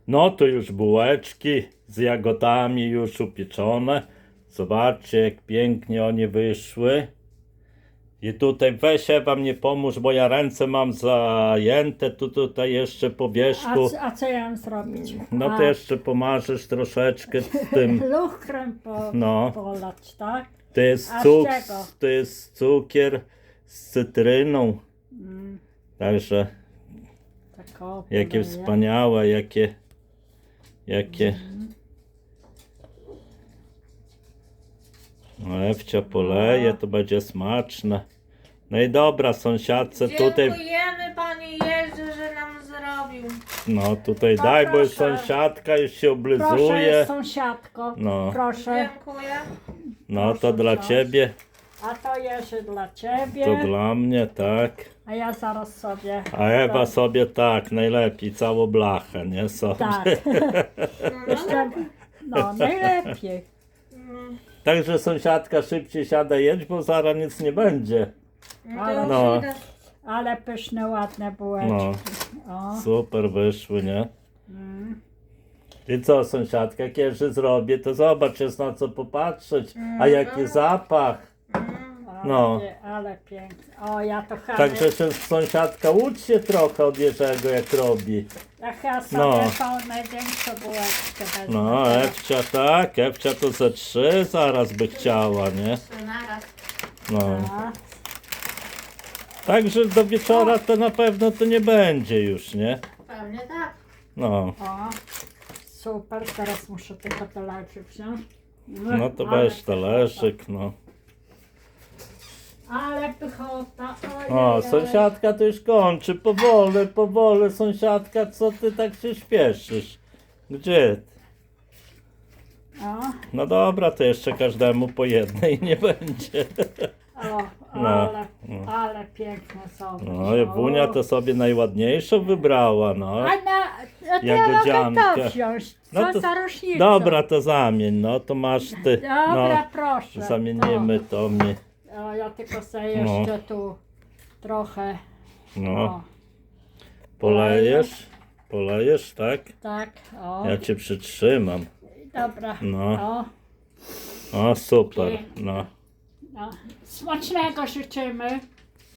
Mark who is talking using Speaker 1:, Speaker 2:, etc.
Speaker 1: No to już bułeczki z jagodami już upieczone. Zobaczcie, jak pięknie one wyszły. I tutaj weź Ewa mnie pomóż, bo ja ręce mam zajęte. Tutaj jeszcze po wierzchu.
Speaker 2: A co ja mam zrobić?
Speaker 1: No to jeszcze pomarzesz troszeczkę tym.
Speaker 2: Luchrem
Speaker 1: No.
Speaker 2: polać, tak?
Speaker 1: To jest,
Speaker 2: A z czego?
Speaker 1: to jest cukier z cytryną. Także
Speaker 2: Tak o,
Speaker 1: jakie
Speaker 2: poleję.
Speaker 1: wspaniałe, jakie. No, Ewcia poleje, to będzie smaczne. No i dobra, sąsiadce tutaj,
Speaker 3: Dziękujemy Panie Jezu, że nam zrobił.
Speaker 1: no tutaj
Speaker 3: No
Speaker 1: daj, bo już
Speaker 3: proszę.
Speaker 1: sąsiadka już się
Speaker 2: Proszę,
Speaker 1: oblizuje.
Speaker 2: sąsiadko.
Speaker 1: No.
Speaker 2: Proszę.
Speaker 3: Dziękuję.
Speaker 1: No to
Speaker 2: proszę
Speaker 1: dla
Speaker 2: wziąć.
Speaker 1: ciebie,
Speaker 2: A to jeszcze dla ciebie.
Speaker 1: to dla mnie, tak.
Speaker 2: A ja zaraz sobie.
Speaker 1: A Ewa sobie tak, najlepiej, całą blachę, nie? Sobie.
Speaker 2: Tak. Jeszcze, no, najlepiej.
Speaker 1: Także sąsiadka szybciej siada jeść, bo zaraz nic nie będzie.
Speaker 3: No.
Speaker 1: No.
Speaker 2: Ale pyszne, ładne bułeczki.
Speaker 1: No.
Speaker 2: O.
Speaker 1: Super wyszły, nie? I co sąsiadka, kiedy zrobię, to zobacz, jest na co popatrzeć. A jaki zapach. No.
Speaker 2: Ale pięknie. O, ja to chyba.
Speaker 1: Także się sąsiadka ucz się trochę od Jerzego, jak robi.
Speaker 2: Ja chyba sobie
Speaker 1: No.
Speaker 2: tą największą bułeczkę wezmę.
Speaker 1: No, Ewcia tak, Ewcia to ze 3 zaraz by chciała, nie?
Speaker 3: Naraz.
Speaker 1: No.
Speaker 2: A,
Speaker 1: Także do wieczora to na pewno to nie będzie już, nie?
Speaker 3: Pewnie tak.
Speaker 1: No.
Speaker 2: o, super, teraz muszę tylko talerzyk wziąć.
Speaker 1: No to
Speaker 2: Ale
Speaker 1: weź talerzyk, no.
Speaker 2: Ale pychota,
Speaker 1: O,
Speaker 2: ojej.
Speaker 1: sąsiadka to już kończy, powoli, sąsiadka, co ty tak się śpieszysz? Gdzie?
Speaker 2: O,
Speaker 1: No dobra, to jeszcze każdemu po jednej nie będzie.
Speaker 2: o,
Speaker 1: No,
Speaker 2: ale piękne są.
Speaker 1: No i Wunia to sobie najładniejszą wybrała, no.
Speaker 2: A to ja
Speaker 1: Jagodziankę.
Speaker 2: mogę to wziąć. Co
Speaker 1: No to-
Speaker 2: za różnica?
Speaker 1: Dobra, to zamień, no to masz ty.
Speaker 2: Dobra,
Speaker 1: No,
Speaker 2: proszę.
Speaker 1: zamienimy to mi.
Speaker 2: O, ja tylko sobie jeszcze tu trochę.
Speaker 1: No,
Speaker 2: O,
Speaker 1: polejesz, tak?
Speaker 2: tak, o.
Speaker 1: Ja cię przytrzymam.
Speaker 2: Dobra.
Speaker 1: No.
Speaker 2: O,
Speaker 1: O, super, no.
Speaker 2: no. Smacznego życzymy.